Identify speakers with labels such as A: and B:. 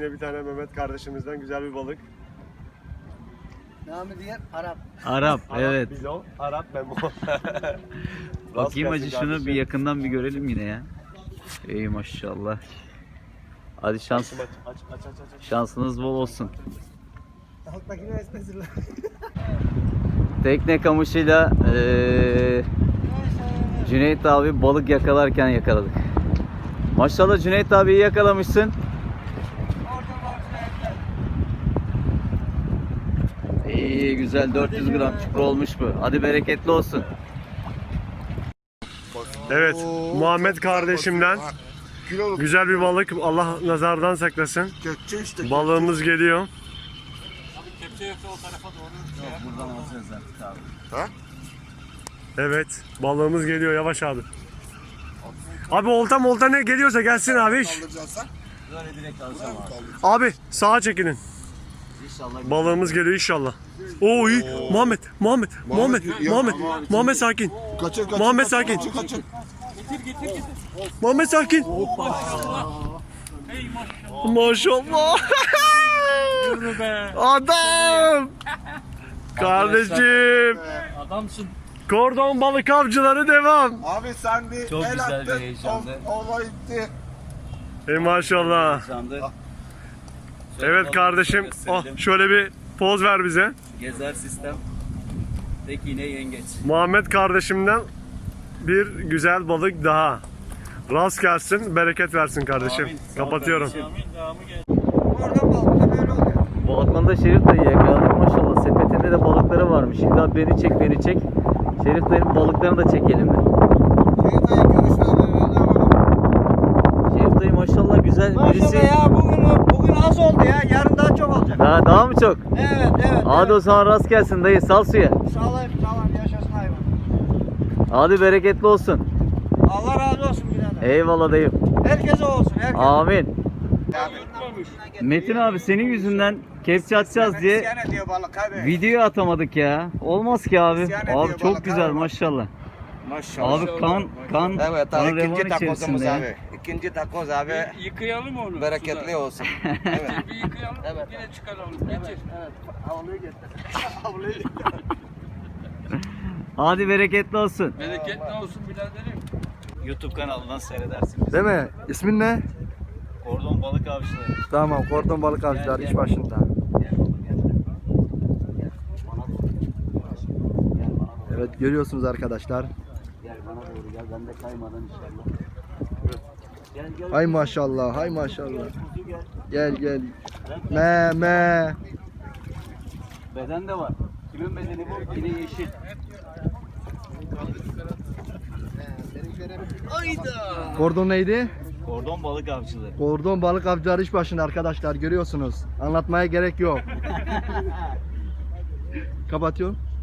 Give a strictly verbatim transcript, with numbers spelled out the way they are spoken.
A: yine bir tane Mehmet kardeşimizden güzel bir balık.
B: Namı diğer Arap.
C: Arap, evet.
A: Bizon, Arap Memo.
C: Bakayım hacı şunu bir yakından bir görelim yine ya. Ey maşallah. Hadi şans.
A: Aç, aç, aç, aç, aç.
C: Şansınız bol olsun.
B: Alttakini esmesinler.
C: Tekne kamışıyla eee Cüneyt abi balık yakalarken yakaladık. Maşallah Cüneyt abiyi yakalamışsın. İyi güzel dört yüz gram çukur olmuş bu. Hadi bereketli olsun.
A: Evet, Muhammed kardeşimden güzel bir balık. Allah nazardan saklasın.
B: Gökçe işte.
A: Balığımız geliyor.
C: Buradan alacağız artık abi.
B: Ha?
A: Evet, balığımız geliyor. Yavaş abi. Abi olta molta ne geliyorsa gelsin abi.
B: Kaldıracaksan.
C: Böyle direkt alacağım abi.
A: Abi sağa çekilin.
C: İnşallah.
A: Balığımız geliyor inşallah. Oo iyi. Muhammed, Muhammed, Muhammed,
B: ya-
A: Muhammed,
B: ama-
A: Muhammed sakin.
B: Kaçır kaçır.
A: Muhammed
B: kaçır,
A: sakin.
B: Kaçır kaçır.
A: Muhammed sakin. Maşallah. Adam. Kardeşim.
C: Adamsın.
A: Kordon balık avcıları devam.
B: Abi sen bir
C: Çok
B: el
C: güzel bir
B: attın,
C: heyecandı.
B: o- Olay gitti.
A: Ey maşallah. Evet kardeşim. Oh, şöyle bir poz ver bize.
C: Gezer sistem. Tek iğne yengeç.
A: Muhammed kardeşimden bir güzel balık daha. Rast gelsin, bereket versin kardeşim.
C: Amin. Sağ ol
A: Kapatıyorum.
C: kardeşim.
B: Oradan balıkta böyle oluyor.
C: Balıkman'da Şerif dayı yakaladık maşallah. Sepetinde de balıkları varmış. İlla beni çek beni çek. Şerif dayının balıklarını da çekelim de.
B: Şerif dayı görüşme böyle ama.
C: Şerif dayı maşallah güzel birisi.
B: Maşallah ya bugün bugün az oldu ya. Yarın daha çok olacak.
C: Daha, daha mı çok?
B: Evet evet.
C: Hadi o zaman rast gelsin dayı sal suya.
B: Sağlayıp sağlam yaşasın hayvan.
C: Hadi bereketli olsun.
B: Allah razı olsun birader.
C: Eyvallah dayım.
B: Herkese olsun. Herkese.
C: Amin. Metin abi senin yüzünden kepçe atacağız diye
B: İsyan ediyor balık abi.
C: video atamadık ya. Olmaz ki abi.
B: İsyan ediyor
C: Abi çok
B: balık
C: güzel
B: abi.
C: maşallah.
B: Maşallah.
C: Abi kan kan
B: Evet
C: kan
B: abi
C: revan
B: ikinci takozumuz
C: içerisinde ya.
B: abi. İkinci takoz abi.
D: Yıkayalım onu.
B: Bereketli olsun. Evet.
D: Bir yıkayalım,
B: Evet.
D: yine çıkaralım. Getir.
B: Evet. Havluyu getir. Havluyu getir.
C: Hadi bereketli olsun.
D: Bereketli olsun biraderim.
C: YouTube kanalından seyredersiniz.
E: Değil mi? İsmin ne?
C: Kordon balık avcıları.
E: Tamam, Kordon Balık Avcılar
C: Gel,
E: iş
C: gel.
E: başında.
C: Gel oğlum gel. Gel bana doğru. Gel bana doğru.
E: Evet, görüyorsunuz arkadaşlar.
C: Gel bana doğru gel. Ben de kaymadan inşallah. Gel gel.
E: Hay maşallah, hay maşallah.
C: Kuzu gel.
E: Gel gel. Me me.
C: Beden de var. Kimin bedeni bu? Yine yeşil.
E: Kordon neydi?
C: Kordon balık avcıları.
E: Kordon Balık Avcılar iş başında arkadaşlar, görüyorsunuz. Anlatmaya gerek yok. Kapatıyorum.